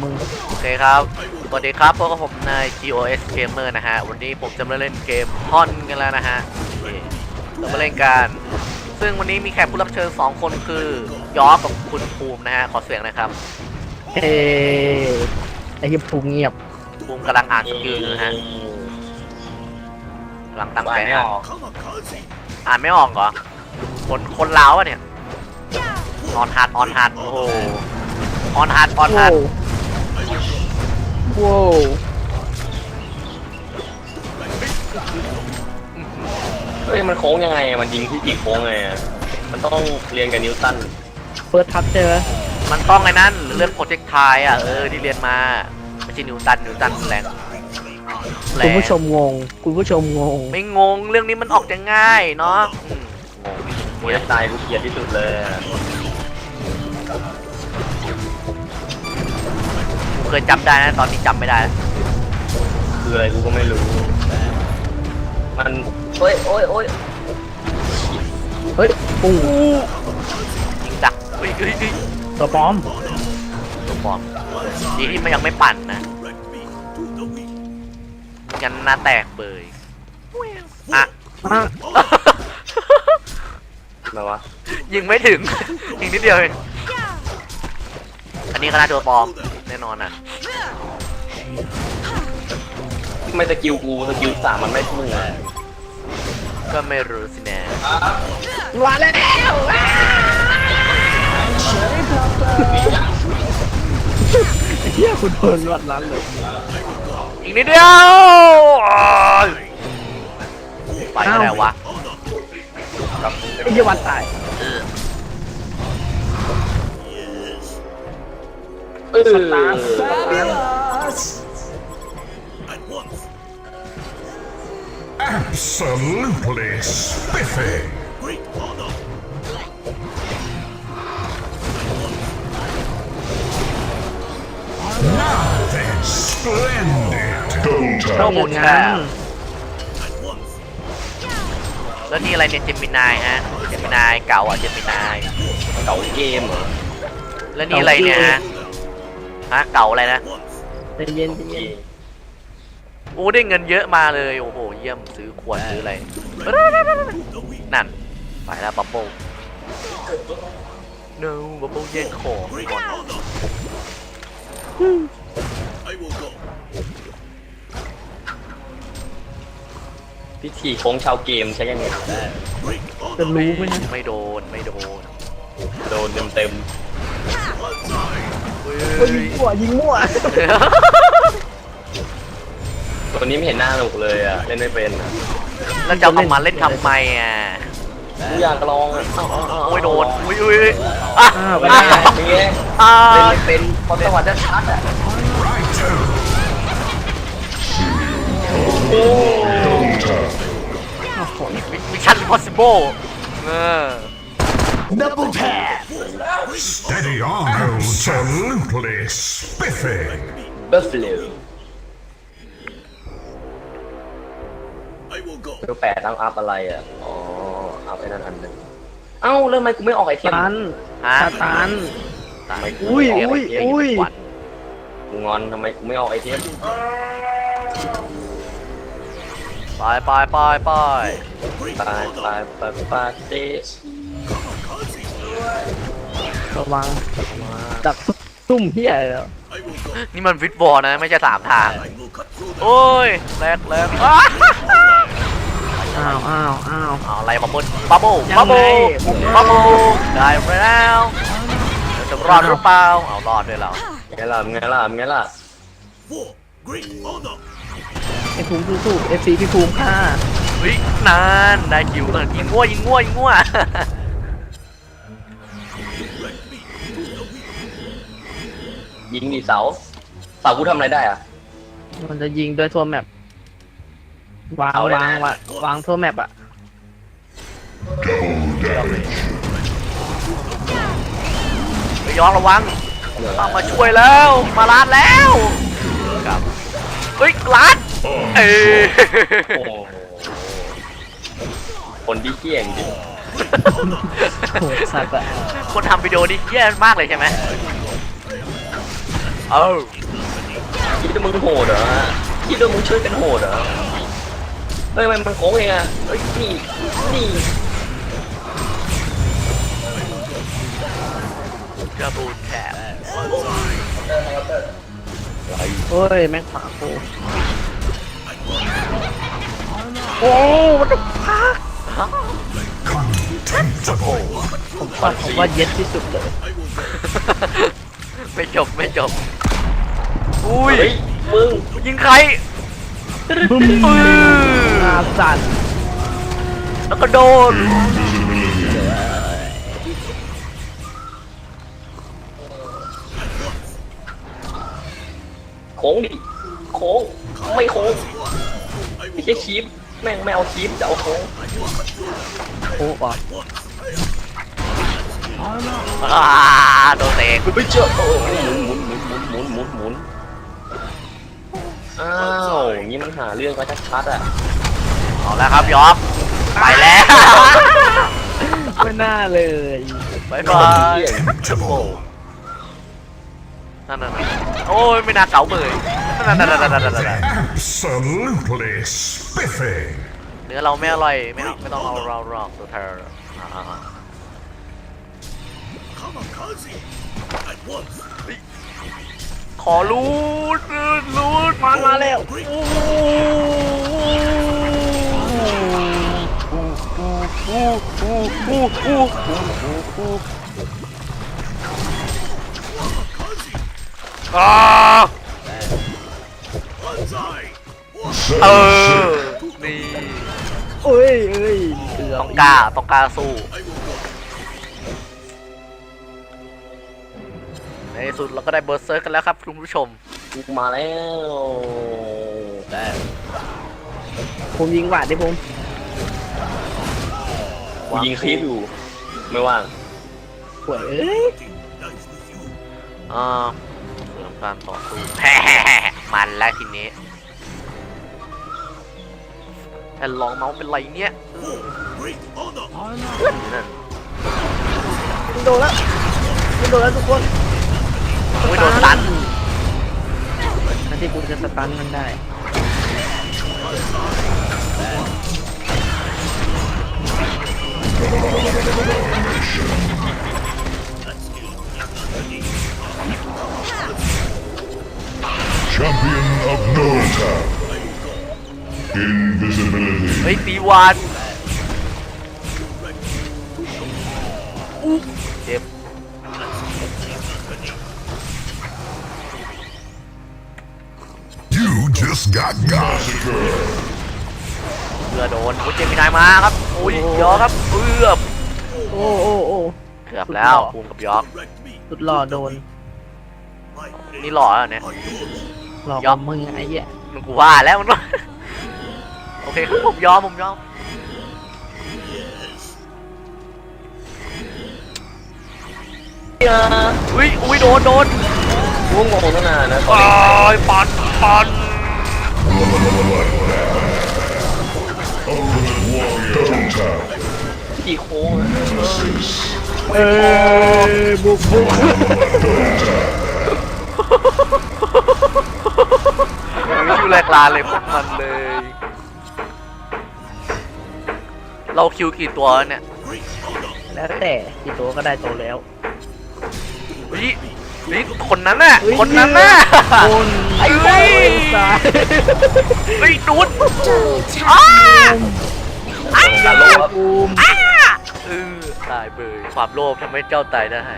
มึงโอเคครับสวัสดีครับพวกบผมนาย GOS Gamer นะฮะวันนี้ผมจะมาเล่นเกมฮอนกันแล้วนะฮะเรามาเล่นกันซึ่งวันนี้มีแขกผู้รับเชิญ2คนคือยอกับคุณภูมินะฮะขอเสียงนะครับเอ้ไอ้เหี้ยภูมิเงียบภูมิกำลังอ่านสกิลอยู่นะฮะกำลังตั้งใจอ่านไม่ออกเหรอคนลาวอะเนี่ยออนฮาร์ดโอ้โหออนฮาร์ดว้าวเฮ้ยมันโค้งยังไงมันยิงที่กี่โค้งไงมันต้องเรียนกับนิวตันเฟิร์สทัชใช่ไหมมันต้องไอ้นั่นเรื่องโปรเจกต์ไทยอ่ะที่เรียนมาไม่ใช่นิวตันแรงคุณผู้ชมงงไม่งงเรื่องนี้มันออกจะง่ายเนาะงงโปรเจกต์ไทยกูเกลียดที่สุดเลยเคยจำได้นะตอนนี้จำไม่ได้คืออะไรกูก็ไม่รู้มันโอ้ยปุ้งยิงดักตัวปลอมดีที่มันยังไม่ปั่นนะยันหน้าแตกเบยอ่ะมาวะยิงไม่ถึงยิงนิดเดียวเองอันนี้ก็น่าตัวปลอมแน่นอนอ่ะไม่สกิลกูสกิล3มันไม่มึงเลยก็ไม่รู้สินะมาแล้วเฮียคุณโดนวัดนั้นเลยอีกนิดเดียวไปแล้ววะไอ้เหี้ยวันตาย Absolutely spiffy. Now then, splendid. เข้าหมุนแค่แล้วนี่อะไรเนี่ยเจมินายฮะเจมินายเก่าอ่ะเจมินายเก่าเกมเหรอแล้วนี่อะไรเนี่ยฮะเก่าอะไรนะเย็นโอ้ได้เงินเยอะมาเลยโอ้โหเยี่ยมซื้อขวดซื้ออะไรนั่นไปแล้วบับเบิ้ลno บับเบิ้ลแย่งของก่อนพิธีโค้งชาวเกมใช้ยังไงจะรู้ไหมไม่โดนเต็มยิงมั่วตัวนี้ไม่เห็นหน้าหนุกเลยอ่ะเล่นไม่เป็นแล้วจะเอามาเล่นทำไมอ่ะอยากลองโอ้ยโดนอุ้ยเป็นไงเล่นไม่เป็นพอจังหวะจะชัดอ่ะมิชชั่น impossible Double tap. Steady on, absolutely spiffy. Buffalo. ตัว8ต้องอัพอะไรอ่ะอ๋ออัพไอ้นั่นอันนึงเอ้าแล้วทำไมกูไม่ออกไอเทมตันอุ้ยกูงอนทำไมกูไม่ออกไอเทมไปเตะระวังดักซุ่มเฮียแล้วนี่มันวิดบอลนะไม่ใช่3 ทางโอ้ยแรกอ้าวอะไรบับเบิ้ลได้ไปแล้วจะรอดหรือเปล่าเอารอดด้วยเราไงล่ะไอ้ภูมิสู้ๆ FC พี่ภูมิค่ะเฮ้ยนานได้คิวยิงงัวยิงดิเสากูทำอะไรได้อ่ะมันจะยิงด้วยทั่วแมปวางทั่วแมปอ่ะไปย้อนระวังมาช่วยแล้วมาลาดแล้วครับเฮ้ยลาดคนที่เกี้ยงจริงโหสัตว์อะคนทำวิดีโอนี่แย่มากเลยใช่ไหมเอ้าคิดว่ามึงโหดเหรอคิดว่ามึงช่วยกันโหดเหรอเฮ้ยมันโค้งเองอ่ะเฮ้ยนี่กระบูนแถบโอ้ยแม่งขวาโคโอ้มันจะพัก Contemptible. ผมชอบผมว่าเย็ดที่สุดเลยไม่จบไม่จบอุ้ยเฮ้ยมึงยิงใครบึ้มอาสันแล้วก็โดนโค้งดิโค้งไม่โค้งไม่ใช่คีบแม่งไม่เอาคีบจะเอาโค้งโอ้ก่อนโดนเองไม่เจอโอ้หมุนอ้าวอย่างนี้มันหาเรื่องก็ชัดๆอ่ะเอาแล้วครับยอมไปแล้วไม่น่าเลยบายบาย Contemptible. นั่นโอ้ยไม่น่าเก๋าเลยนั่น Absolutely spiffy. เนื้อเราไม่อร่อยไม่ต้องเอาเราหรอกตัวเธอขอรูดมาแล้ว อ่าเออ นี่เอ้ยเกือบต้องกล้าสู้ ในที่สุดเราก็ได้เบอร์เซอร์กันแล้วครับคุณผู้ชมกูมาแล้วผมยิงหวาดดิผมกูยิงคีบอยู่ไม่ว่างป่วยเอ้ยเสริมการต่อสู้ มันแล้วทีนี้แต่ลองเมาส์เป็นไรเนี่ยนั่นยิงโดนแล้วทุกคนโอ้ยโดนตันนั่นที่คุณจะสตันมันได้ Champion of Nota. Invisibility. เฮ้ยตีวานเจ็บ You just got massacred. เพื่อโดนโอ้ยเจมินายมาครับโอ้ยยอครับเกือบโอ้เกือบแล้วภูมิกับยอกสุดหล่อโดนนี่หล่อแล้วเนี่ยหลอกยอมมึงไอ้เหี้ยมันกูว่าแล้วมันว่าโอเคครับผมยอมอุ้ยโดนกูงงตั้งนานนะโอ้ยปัน Ultimate warrior. Double tap. กี่โค้งอะ Assist. เอ้ยบุกคิวแรกลาเลยพวกมันเลย เราคิวกี่ตัวเนี่ยแล้วแต่กี่ตัวก็ได้ตัวแล้วนี่คนนั้นน่ะคนนั้นน่ะคนไอ้ไอ้เว้ยตายไอ้ดูดอ้าอย่าโลภครับบูมตายเบยความโลภทำให้เจ้าตายได้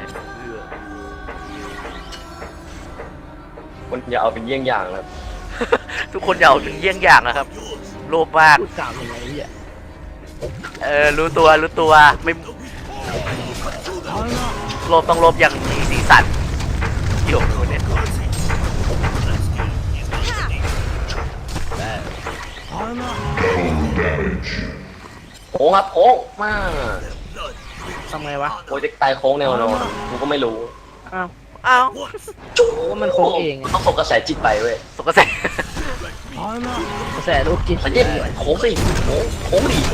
มันอย่าเอาเป็นเยี่ยงอย่างนะครับทุกคนอย่าเอาเป็นเยี่ยงอย่างนะครับ โลภมากพูดกล่าวยังไงเนี่ยรู้ตัวไม่โลภต้องโลภอย่างมีสีสันเกี่ยวกับคนเนี้ย Double damage. โค้งครับโค้งมากทำไงวะโปรเจกต์ตายโค้งแนวนอนกูก็ไม่รู้อ้าวอ้าวจุ๊บว่ามันโค้งเองอะต้องส่งกระแสจิตไปเว้ยสกปรกกระแสลูกกินมันเย็ดโค้งสิโค้งดิ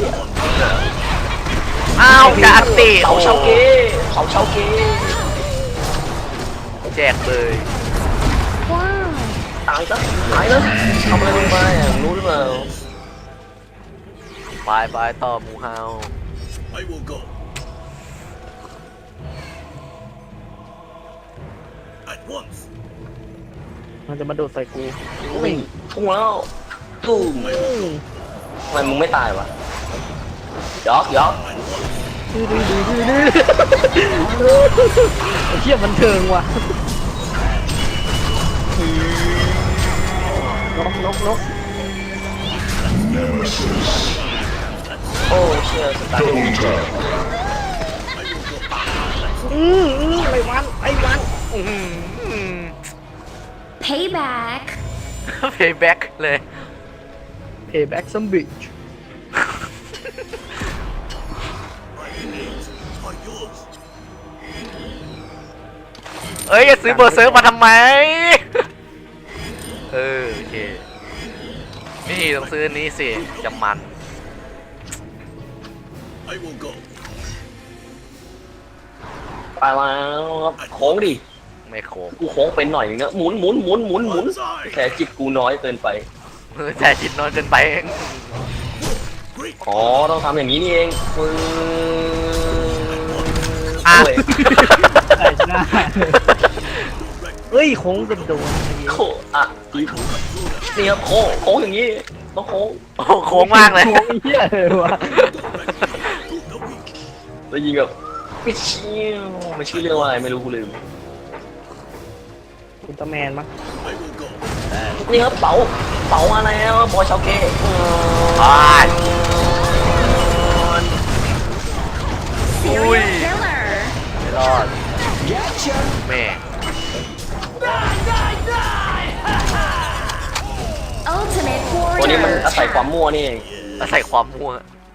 อ้าวจะอัตติเขาเชาเก้เขาเชาเก้แจกเลยายซะตายแล้วทำอะไรลงไปอ่ะรู้หรือเปล่าไปต่อหมูเฮา I will go. At once. มันจะมาโดดใส่กูอุ้ยพุ่งแล้วตุ้มอืมทำไมมึงไม่ตายวะยอกไอ้เชี่ยมันเทิงว่ะนก Nemesis. โอ้เชี่ยสตาร์ท Double tap. ไอ้วัน Payback. เพย์แบ็กเลย payback some bitch My enemies are yours. เอ้ยซื้อเบอร์เซิร์ฟมาทำไม โอเค นี่ต้องซื้ออันนี้สิ จะมัน I will go. ไปแล้วครับโค้งดิไม่โค้งกูโค้งเป็นหน่อยนึงนะหมุนแค่จิตกูน้อยเกินไปแต่จิตนอนเกินไปเอง Great. อ๋อต้องทำอย่างนี้นี่เองอ่ะโอ้ยใส่หน้าเฮ้ยโค้งเป็นโดนโค้งอ่ะนี่ครับโค้งอย่างนี้ต้องโค้งโอ้โหโค้งมากเลยโค้งเหี้ยเลยวะแล้วยิงแบบไม่เชี่ยวไม่ชื่อเรื่องว่าอะไรไม่รู้กูลืมอุลตร้าแมนมั้ง I will go. นี่ครับเป๋ามาแล้วบอยชาวเก้อ่า Serial Ui. killer. ไม่รอดแม่ Ultimate ตัวนี้มัน warrior. อาศัยความมั่วนี่เองอาศัยความมั่ว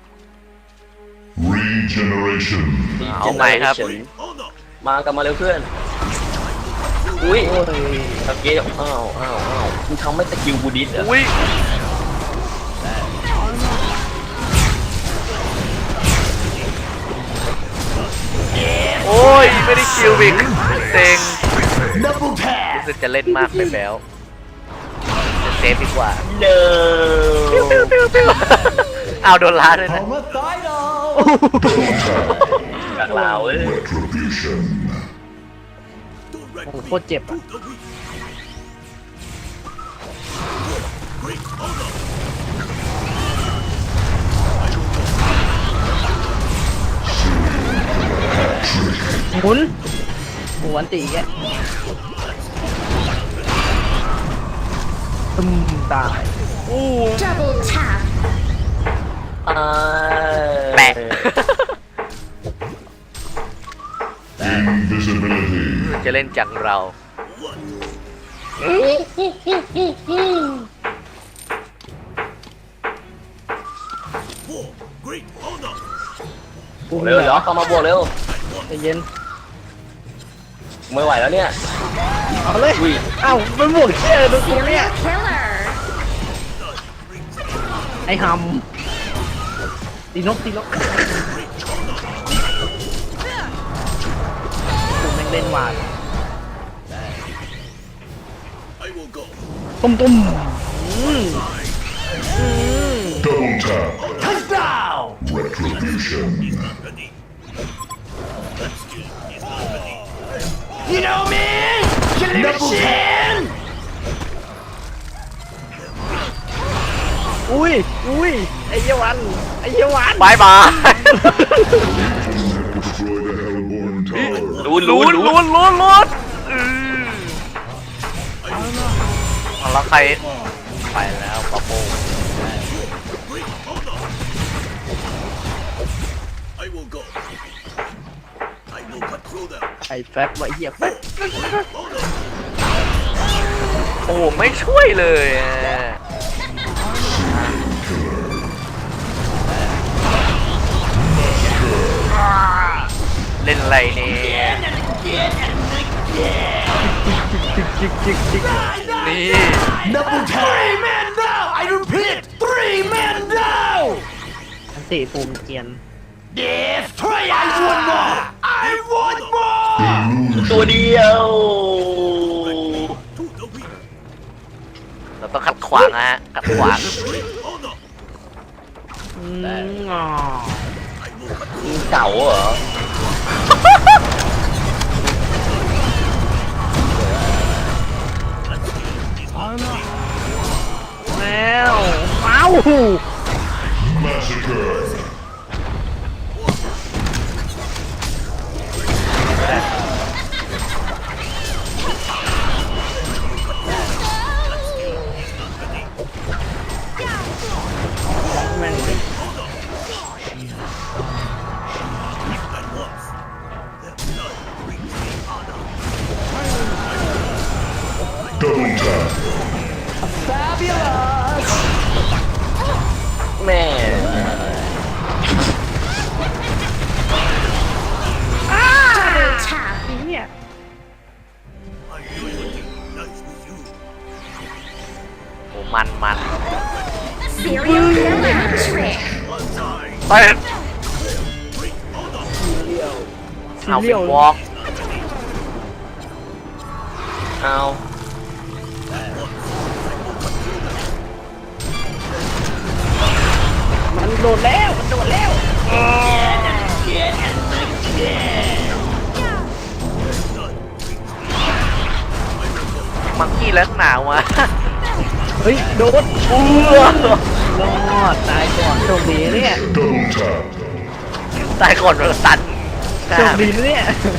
Regeneration. เอาใหม่ครับ Honor. มากันมาเร็วเพื่อนอุ้ยโอ้ยชาวเก้อ้าวมึงทำไม่สกิลบูดิสอ่ะอุ้ย โอ้ย ไม่ได้คิวอีกเซ็งรู้สึกจะเล่นมากไปแล้วจะเซฟดีกว่าเด้อเอาโดนล้าด้วยนะจากลาวเอ้ย Retribution. โอ้โหโคตรเจ็บอ่ะ The weak. Great honor. หมุนตีแกตึมตาย Double tap. แปะ Invisibility. จะเล่นจังเรา For great honor. กูเร็วเดี๋ยวเข้ามาบวกเร็วใจเย็นไม่ไหวแล้วเนี่ยเอาเลยอุ้ยเอ้ามันบวกเชี่ยดูกูเนี่ย Serial killer. ไอ้หำตีนกกูแม่งเล่นหวาน I will go. ตุ้ม Double tap. Retribution. Ready. You know me Double tap อุ้ยไอ้เหี้ยวันบายบาย Destroy the Hellborn Tower. ลุ้นเอาแล้วใคร ไปแล้วปะโป้ Great honor. I will go. I will cut through them. ไอ้แฟบไว้เหี้ยแฟบ Honor. โอ้ไม่ช่วยเลยอะเล่นอะไรเนี่ยนี่อันตีปูมเกียน Illusion. ตัวเดียว To the weak. เราต้องขัดขวางนะฮะขัดขวางอ๋อมึงเก่าเหรอแล้วเอ้า Massacre. แม่ง Double tap. แม่ Double tap. เนี่ยโอ้มัน Serial killer trick. ไปเอาเลี้ฟิยววอล์กเอามันโดดแล้วมันโดดแล้วมังกี้แล้วหนาวมาเฮ้ยโดดรอดตายก่อนโชคดีเนี่ย Double tap. ตายก่อนเราตันโชคดีนะเนี่ย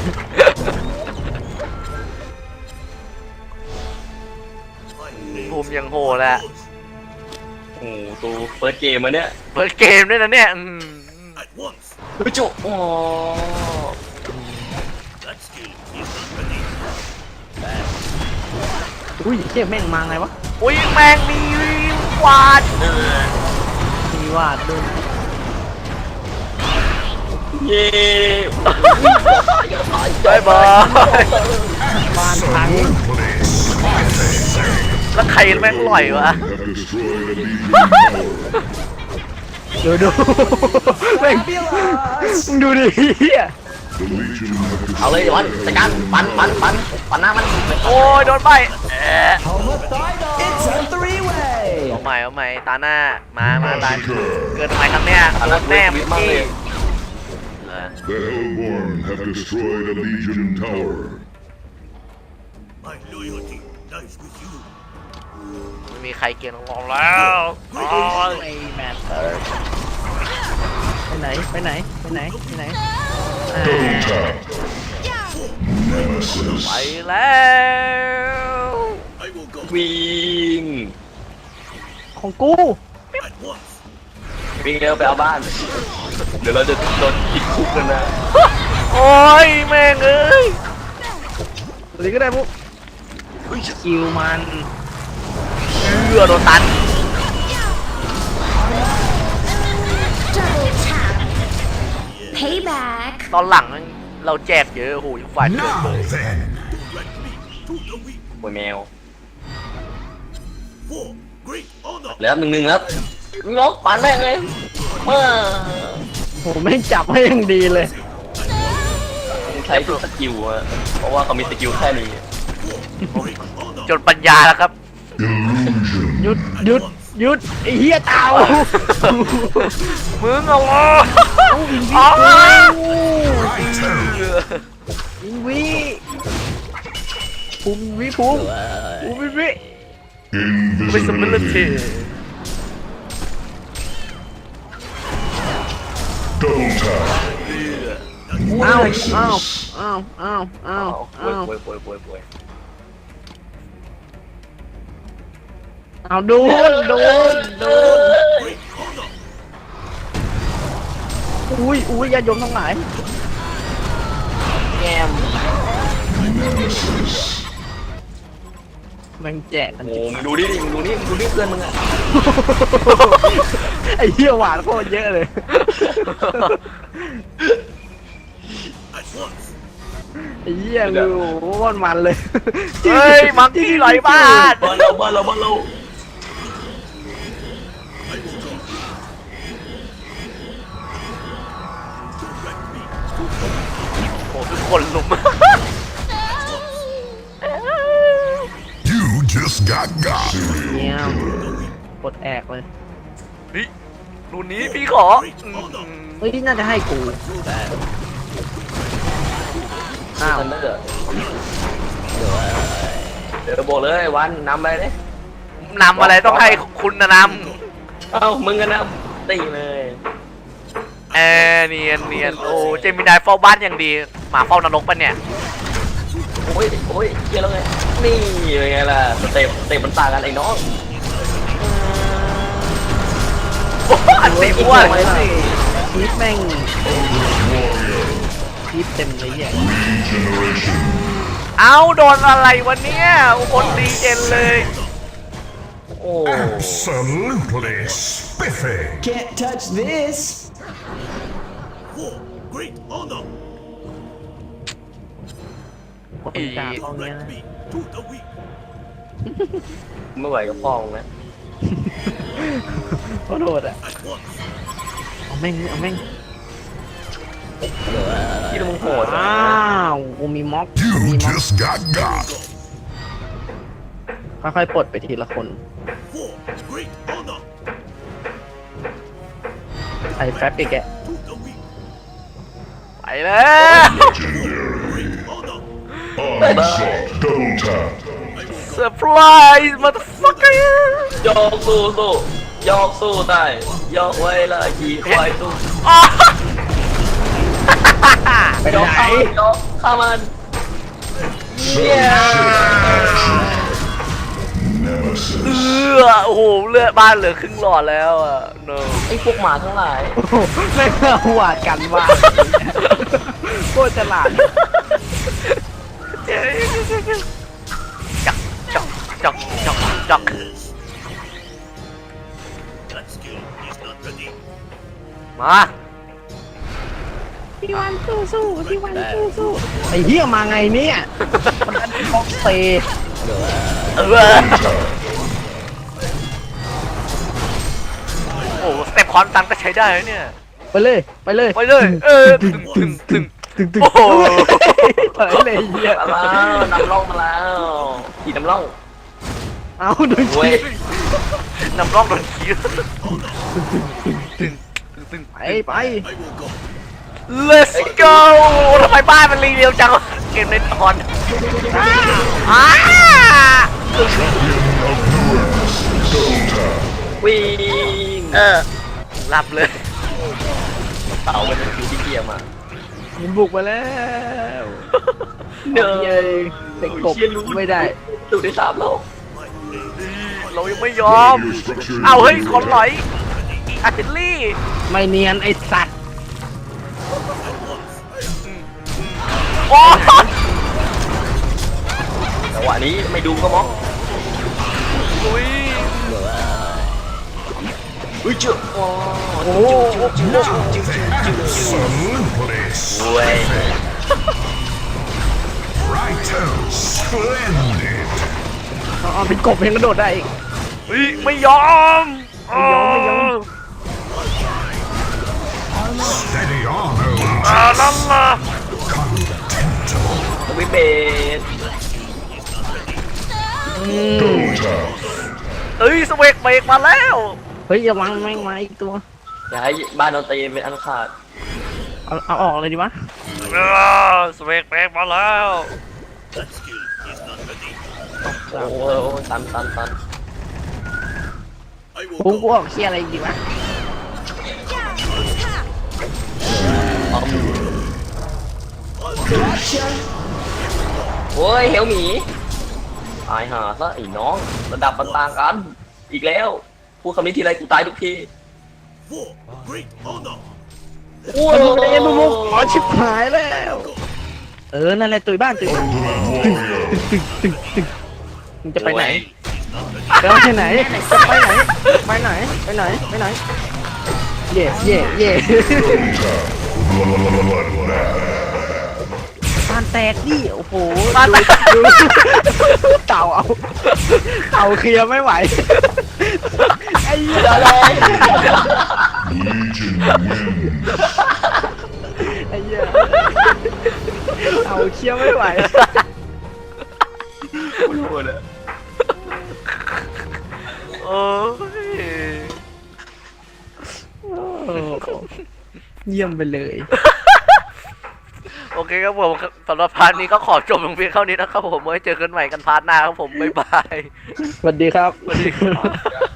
ภูมิยังโหดแหละโอ้โหตัวเฟิร์สเกมมาเนี่ยเปิดเกมด้วยนะเนี่ย At once. เฮ้ยจุอ๋อ That skill is not ready. อุ้ยเจ็บแม่งมาไงวะอุ้ยแมงมีวาดมีวาดด้วยเย้บายบายบ้านพังแล้วใครแม่งลอยวะ Have destroyed a Legion tower. ดูแม่งมึงดูดิเฮีย The Legion have เอาเลย destroyed วันจัดการปันหน้ามันโอ้ยโดนไปเอาใหม่ตาหน้ามาตาย Massacre. เกินทำไมครับเนี่ยโดนแน่มึงกี้ The Hellborn have destroyed a Legion tower. My loyalty lies with you. ไม่มีใครเกณฑ์ของเราแล้วโอ้ยไอ้แมทเตอร์ไปไหนอ่า Double tap. ไป Nemesis. แล้ว I will go วิ่งของกู at once. วิ่งเร็วไปเอาบ้าน เดี๋ยวเราจะโดนติดคุกกันนะโอ้ยแม่งเอ้ยอะไรก็ได้ปุ๊บคิวมันโดนตัน Double tap. Payback. ตอนหลังเราแจกเยอะโอ้โหอีกฝ่ายเกินเลย Direct me to the weak. โวยแมว For great honor. แล้วหนึ่งแล้วงอกปันแม่งเลยเมื่อโหแม่งจับให้ยังดีเลยใช้ทุกสกิลอะเพราะว่าเขามีสกิลแค่นี้ Great honor. จนปัญญาแล้วครับ Illusion. หยุดไอ้เหี้ยเต่ามึงเอาวะเอาวิเอางวิวิภูมิวิภูมิวิ Invisibility Invisibility. Double tap. อ้าว Nemesis. ป่วยเอาโดน Great honor. อุ้ยญาติโยมทั้งหลายแง้ม Nemesis. แม่งแจกกันโอ้มึงดูดิมึงดูนี่เพื่อนมึงอะไอ้เหี้ยหวานโคตรเยอะเลย At once. ไอ้เหี้ยดูมันเลยเฮ้ยมังกี้ไหลบ้านบ้านเรา I will go. Direct me. โอ้ทุกคนลุม You just just got got. เนี่ยกดแอกเลยเฮ้ยรุ่นนี้พี่ขอเฮ้ยน่าจะให้กูแต่อ้าวทันเดอร์เดี๋ยวบอกเลยวันนำไปเลยนำอะไรต้องให้คุณนะนเอ้ามึงกันนะตีเลยำเนียนโอ้เจมินายเฝ้าบ้านอย่างดีหมาเฝ้านรกปะเนี่ยโอ้ยเกี่ยแล้วไงนี่เป็นไงล่ะสเต็ปมันต่างกันไอ้น้องโอ้อันตีอ้วนคีบแม่งคีบเต็มเลยอ่ะเอาโดนอะไรวะเนี่ยคนดีเจนเลยโอ้ Absolutely spiffy. Can't touch this. For great honor. คนจ่าตรงเนี้ย Let นะ me to the weak. ไม่ไหวกับพ่อมึงนะโคตรโหดอ่ะ At once. เอาแม่งเอาแม่งที่มึงโหดอ้าวกูมีม็อก You มีม็อก just got got. ค่อยๆปลดไปทีละคน For great honor. ใส่แฟบอีกแก To the weak. ไปแล้ว Great honor. Onslaught double tap. เซอร์ไพรส์มาตัวฟักเกอร์ยกสู้ยกสู้ได้ยกไว้ละขี่ควายสู้ไปยกไหนยกข้ามัน Nemesis. โอ้โหเลือดบ้านเหลือครึ่งหลอดแล้วอ่ะ no ไอ้พวกหมาทั้งหลายโอ้โหแม่งเอาหวาดกันว่าโคตรฉลาดจัก That skill is not ready. มาพี่วันสู้พี่วันสู้ไอ้เหี้ยมาไงเนี่ยมันอันบ็อกเตะโอ้สเต็ปคอนตันก็ใช้ได้นะเนี่ยไปเลยไปเลยถึงโอ้โหเปิดเลยเหี้ยมาแล้วนำร่องมาแล้วขี่นำร่องเอาดูเว้ยนำร่องโดนขี้ไป I will go. let's go ทำไมบ้านมันรีเร็วจังเกมเล่นตอนอ้าวิ่งหลับเลยเต่ามันเป็นคิวที่เกียร์มามันบุกมาแล้วเนเย้เด็กกบไม่ได้ดูได้3โลกเรายังไม่ยอม เอาเฮ้ยคนหลอยอาร์ติลลี่ไม่เนียนไอ้สัตว์โอ้จังหวะนี้ไม่ดูก็มองลุยอุ้ยเจ้าโอ้โอ้ Absolutely เว้ย righto. Splendid. เอาเป็นกบยังกระโดดได้อีกเฮ้ยไม่ยอมไม่ยอม Steady on, old นั่นล่ะ contemptible. วิเบส Double tap. เฮ้ยสเวกเบรกมาแล้วเฮ้ยอย่าวางแม่งมาอีกตัวอย่าให้บ้านโดนตีเป็นอันขาดเอาออกเลยดีวะสเวกเบรกมาแล้ว That skill is not ready. โอ้โหตัน I กู will กู go. ออกเคลียร์อะไรดีวะโอ้ยเฮลหมีตายห่าซะไอ้น้องระดับมันต่างกัน อีกแล้วพูดคำนี้ทีไรกูตายทุกที For great honor. โอ้โอ้ยบุกอ๋อชิบหายแล้ว นั่นแหละตุยบ้านตุยบ้าน Ultimate warrior. มึงจะไปไหนจะไปไหนจะไปไหนไปไหนไปไหนไปไหนเย่เย่เย่ Double tap. Bloodbath. บ้านแตกดิโอ้โหบ้านแตกดูเต่าเอาเต่าเคลียร์ไม่ไหวไอ้เหี้ยอะไร Legion wins. ไอ้เหี้ยเต่าเคลียร์ไม่ไหวโหดอะอ้เยี่ยมไปเลยโอเคครับผมสำหรับพาร์ทนี้ก็ขอจบลงเพียงเท่านี้นะครับผมไว้เจอกันใหม่กันพาร์ทหน้าครับผมบ๊ายบายสวัสดีครับสวัสดีครับ